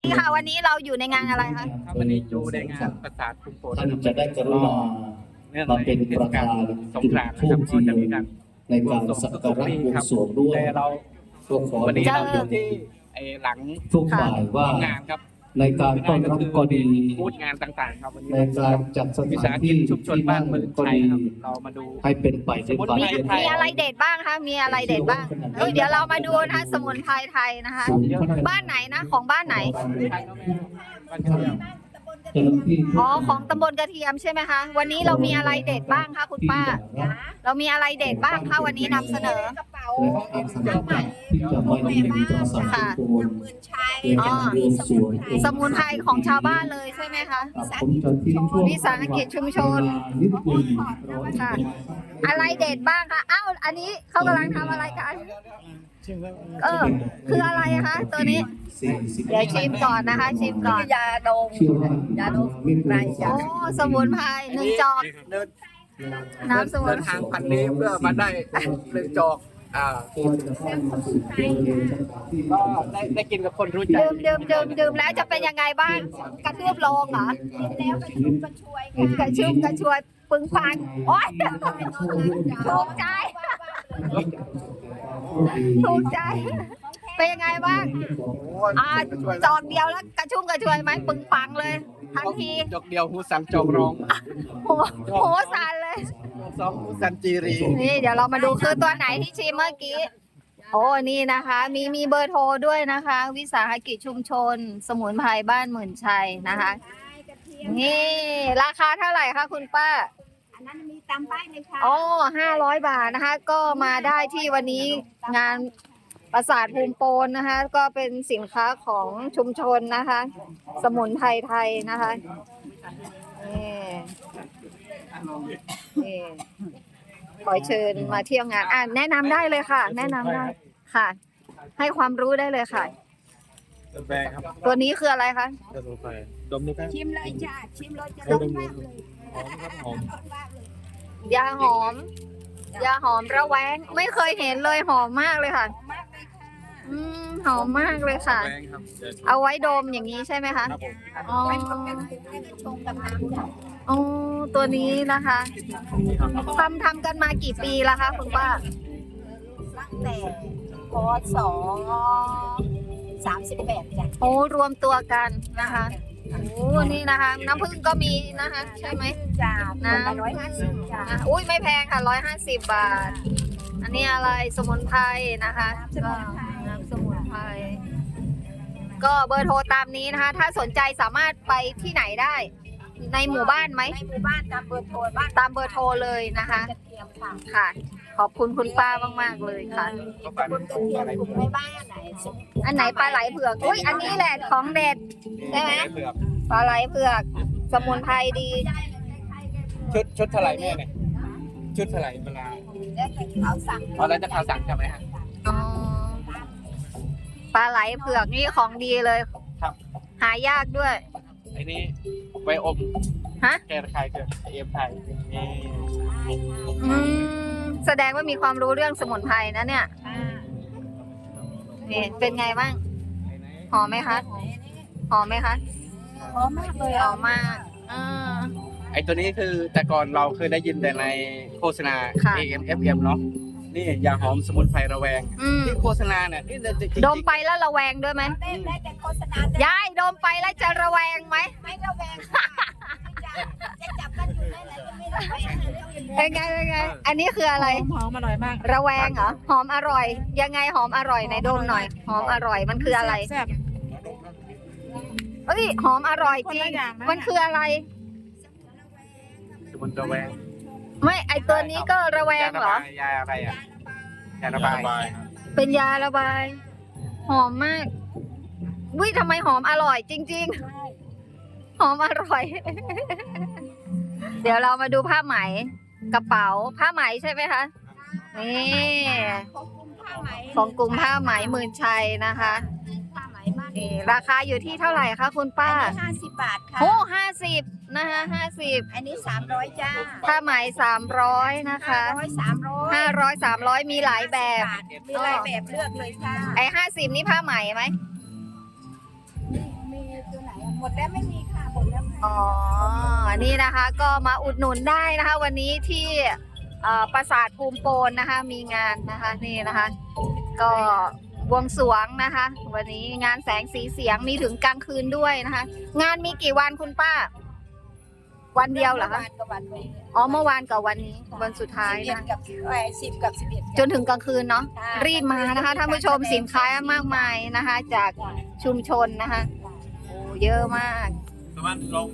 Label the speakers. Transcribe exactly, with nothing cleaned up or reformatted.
Speaker 1: นี่ค่ะวันนี้เราอยู่ในงานอะไรคะ
Speaker 2: วันนี้อยู่ในงานประสาทคุมโปน
Speaker 3: ท่านจะได้กรุณามาเป็นประธาน
Speaker 2: สง
Speaker 3: จุด
Speaker 2: กรานต์
Speaker 3: ธู
Speaker 2: นะ
Speaker 3: ป
Speaker 2: ครับ
Speaker 3: เที
Speaker 2: ก็
Speaker 3: ย
Speaker 2: จะ
Speaker 3: น
Speaker 2: มีการ
Speaker 3: ในการสักการะบวงสรวงด้วย
Speaker 2: แต่เรา
Speaker 3: ก็ขอ
Speaker 2: วันนี้
Speaker 3: เรีย
Speaker 2: เรา
Speaker 3: น
Speaker 2: อยู่ที่ไอ้หลัง
Speaker 3: ทุกฝ่ายว่า
Speaker 2: งานครับ
Speaker 3: ในการต้อนรับก็ดี
Speaker 2: พูดงานต่างๆครับวันนี้
Speaker 3: ในการจัดส
Speaker 2: วิ
Speaker 3: ถา
Speaker 2: สาน หกิ
Speaker 3: ที่
Speaker 2: จชุมชน
Speaker 3: ที่
Speaker 2: บ้า
Speaker 3: นั่
Speaker 2: น
Speaker 3: ง
Speaker 2: เมือง
Speaker 3: ก็
Speaker 2: ไทย
Speaker 3: ดี
Speaker 2: ครับเรามาดู
Speaker 3: ให้เป็นไปด้วยความ
Speaker 1: มี
Speaker 3: เรียบ
Speaker 1: มี
Speaker 3: ร้อย
Speaker 1: อะไรเด็ดบ้างคะมีอะไรเด็ดบ้างเอ้ยเดี๋ยวเรามาดูนะคะสมุนไพรไทยนะคะ บ้านไหนนะของบ้านไหน
Speaker 2: บ้านเดียว
Speaker 3: เจ้าหน้าที่
Speaker 1: อ๋อของตำบลกระเทียมใช่ไหมคะวันนี้เรามีอะไรเด็ดบ้างคะคุณป้า เรามีอะไรเด็ดบ้างคะวันนี้นำเสนอ
Speaker 3: และอาสาสมัครที่จะมาอยู่ในประสาททุกคนเพื่อการบวงสรวง
Speaker 1: สมุนไพรของชาวบ้านเลยใช่ไหมคะ
Speaker 3: ผมจะทิ้งช่วง
Speaker 1: วิสาหกิจชุมชน
Speaker 3: นิดหนึง
Speaker 1: ค่ะ อะไรเด็ดบ้างคะอ้าวอันนี้เขากำลังทำอะไรกันเออคืออะไรคะตัวนี้
Speaker 3: สี่สิบ
Speaker 1: เดี๋ยวชิมก่อนนะคะ ชิมก่อน
Speaker 4: ยาดม
Speaker 3: เชื่อว่าย
Speaker 4: าดม
Speaker 3: ไม่เกิน
Speaker 1: โอ้สมุนไพรหนึ่งจอก
Speaker 2: เดิน
Speaker 1: น้ำสมุ
Speaker 2: เดิ
Speaker 1: น
Speaker 2: นทางพันนี้เพื่อมาได้หนึ่งจอกอ่า
Speaker 3: ก็จะต้องมาสู่บริเวณสถานที่
Speaker 2: ก็ได้ได้กินกับคนรู้ใจ
Speaker 1: ดื่มดื่มดื่มดื่มแล้วจะเป็นยังไงบ้างกระทืบโลงเหรอ
Speaker 4: แล้วกระชุ่มกระชวย
Speaker 1: กระชุ่มกระชวยปึงฟันโอ๊ยถูกใจถูกใจเป็นยังไงบ้างอ่าจอกเดียวแล้วกระชุ่มกระชวยไหมปึงปังเลยทันที
Speaker 2: จอกเดียวหูสันจอกรอง
Speaker 1: โอ้โหสั่นเลย
Speaker 2: สองหูสันจีรี
Speaker 1: นี่เดี๋ยวเรามาดูคือตัวไหนที่ชิมเมื่อกี้ โอ้นี่นะคะ มีมีเบอร์โทรด้วยนะคะ วิสาหกิจชุมชน สมุนไพรบ้านหมื่นชัยนะคะ นี่ราคาเท่าไหร่คะคุณป้า
Speaker 4: อันนั้นมีตามป้ายเลยค่ะ
Speaker 1: อ๋อห้าร้อยบาทนะคะ ก็มาได้ที่วันนี้งานปราสาทภูมิโปนนะคะ ก็เป็นสินค้าของชุมชนนะคะ สมุนไพรไทยนะคะนี่นี่ขอเชิญมาเที่ยวงานอ่ะแนะนำได้เลยค่ะ แนะนำได้ค่ะ ให้ความรู้ได้เลยค่ะ
Speaker 2: แบงครับ
Speaker 1: ตัวนี้คืออะไรคะ
Speaker 2: สมุนไพรดมดูครับ
Speaker 4: ชิมเลยจ้าชิมเลยจะรสมากเลย
Speaker 2: หอมครับหอม
Speaker 4: รสมากเลย
Speaker 1: ยาหอม ยาหอมระแวงไม่เคยเห็นเลยหอมมากเลยค่ะ
Speaker 4: มากเลยค่ะ
Speaker 1: อืมหอมมากเลยค่ะ
Speaker 2: แบงครับเดี๋ยว
Speaker 1: เอาไว้ดมอย่างนี้ใช่ไหมคะ
Speaker 2: ครับผม
Speaker 1: อ๋อ
Speaker 4: ไว้ทำกันแล้วก็ชงกับน้ำค่ะ
Speaker 1: อ๋อตัวนี้นะคะทำทำกันมากี่ปีแล้วคะคุณป้า
Speaker 4: ตั้งแต่พศสามสิบแปดจ้ะ
Speaker 1: โอ้รวมตัวกันนะคะโอ้นี่นะคะ น้ำผึ้งก็มีนะคะ ใช่ไหม
Speaker 4: จ้า
Speaker 1: น้ำ
Speaker 4: คนละร้อยห้าสิบจ้า
Speaker 1: อ่ะอุ้ยไม่แพงค่ะร้อยห้าสิบบาท อันนี้อะไรสมุนไพรนะคะก็น้ำสมุนไพรก็เบอร์โทรตามนี้นะคะ ถ้าสนใจสามารถไปที่ไหนได้ ในหมู่บ้านไหม
Speaker 4: ในหมู่บ้านตามเบอร์โทรบ้าน
Speaker 1: ตามเบอร์โทรเลยนะคะ
Speaker 4: กระเทียมค่ะ
Speaker 1: ค่ะ ขอบคุณคุณป้ามากๆเลยค่ะ
Speaker 2: ก็ปัน
Speaker 4: กระเทียมกลุ่มในบ้านไหน
Speaker 1: อันไหนปลาไหลเผือกอุ้ยอันนี้แหละของเด็ด ใช่ไหม
Speaker 2: เผือก
Speaker 1: ปลาไหลเผือก สมุนไพรดี
Speaker 2: ชุดชุดเท่าไหร่แม่เนี่ยชุดเท่าไหร่เวลา
Speaker 4: แล้วแต่เขาสั่ง
Speaker 2: เอาแล้วจะพาสั่งใช่ไหมฮะ
Speaker 1: อ๋อปลาไหลเผือกนี่ของดีเลย
Speaker 2: ครับ
Speaker 1: หายากด้วย
Speaker 2: ไอ้นี่ไวอม
Speaker 1: ฮะ
Speaker 2: แกระคายเกิดเอ็มไทยนี่
Speaker 1: อืมแสดงว่ามีความรู้เรื่องสมุนไพรนะเนี่ยนี่เป็นไงบ้าง หอมไหมคะ หอมไหมคะ
Speaker 4: หอมมากเลย
Speaker 1: ห
Speaker 4: อ่ะ
Speaker 1: อมมากอ่า
Speaker 2: ไอ้ตัวนี้คือแต่ก่อนเราเคยได้ยินแต่ในโฆษณา
Speaker 1: ค่ะ
Speaker 2: เอ เอ็ม เอฟ เอ็ม เนาะนี่ยาหอมสมุนไพรระแวง
Speaker 1: อืม
Speaker 2: ที่โฆษณาเนี่ยนี่จริงๆ
Speaker 1: ดมไปแล้วระแวงด้วยไหม
Speaker 4: ได้ได้แต่โฆษณาแต่
Speaker 1: ยายดมไปแล้วจะระแวงไหม
Speaker 4: ไม่ระแวงค่ะจะจับกันอยู่ได้เลยไม่ระแวงเลย
Speaker 1: เป็นไงเป็นไง อันนี้คืออะไร
Speaker 4: หอมอร่อยมาก
Speaker 1: ระแวงเหรอ หอมอร่อย ยังไงหอมอร่อยไหนดมหน่อย หอมอร่อย มันคืออะไร
Speaker 4: แซ่บ
Speaker 1: เอ้ย หอมอร่อยจริ
Speaker 4: คน
Speaker 1: ง
Speaker 4: ละอย่างนะ
Speaker 1: มันคืออะไร
Speaker 2: สมุนระแวง
Speaker 1: ไม่ ไอตัวนี้ก็ระแวงเหรอ
Speaker 2: ยาอะไรอ่ะยาระบาย
Speaker 1: เป็นยาระบาย หอมมากวิทำไมหอมอร่อยจริง ๆ หอมอร่อย เดี๋ยวเรามาดูผ้าไหม กระเป๋า ผ้าไหมใช่ไหมคะ นี่
Speaker 4: ของกลุ่มผ้าไหม
Speaker 1: ของกลุ่มผ้าไหมหมื่นชัยนะคะ
Speaker 4: ผ้าไหมบ้าน
Speaker 1: นี่ราคาอยู่ที่เท่าไหร่คะคุณป้า
Speaker 4: ห้าสิบบาทค่ะ
Speaker 1: โอ้ห้าสิบนะคะห้าสิบ
Speaker 4: อันนี้สามร้อยจ้า
Speaker 1: ผ้าไหมสามร้อยนะคะ
Speaker 4: ร้อยสามร้อย
Speaker 1: ห้าร้อยสามร้อยมีหลายแบบ
Speaker 4: มีหลายแบบเลือกเลยค่ะ
Speaker 1: ไอ้ห้าสิบนี่ผ้าไหมไหม
Speaker 4: มีตัวไหนอะหมดแล้วไม่มีค่ะหมดแล้วค่ะ
Speaker 1: อ๋อ นี่นะคะก็มาอุดหนุนได้นะคะ วันนี้ที่เอ่อปราสาทภูมิโปนนะคะ มีงานนะคะนี่นะคะ ก็บวงสรวงนะคะ วันนี้งานแสงสีเสียงมีถึงกลางคืนด้วยนะคะ งานมีกี่วันคุณป้า วันเดียวเหรอคะ
Speaker 4: มื่วานกับวันนี้
Speaker 1: อ๋อเมื่อวานกับวันนี้วันสุดท้าย
Speaker 4: สิบเอ็ด
Speaker 1: นะ
Speaker 4: กับเอ้ยสิบกับสิบเอ็ด
Speaker 1: จนถึงกลางคืนเนาะ
Speaker 4: ค่ะ
Speaker 1: รีบมานะคะท่านผู้ชมสินค้ามากมายนะคะ จาก
Speaker 4: จ้ะ
Speaker 1: ชุมชนนะคะโอ้เยอะมาก
Speaker 2: ประมาณลง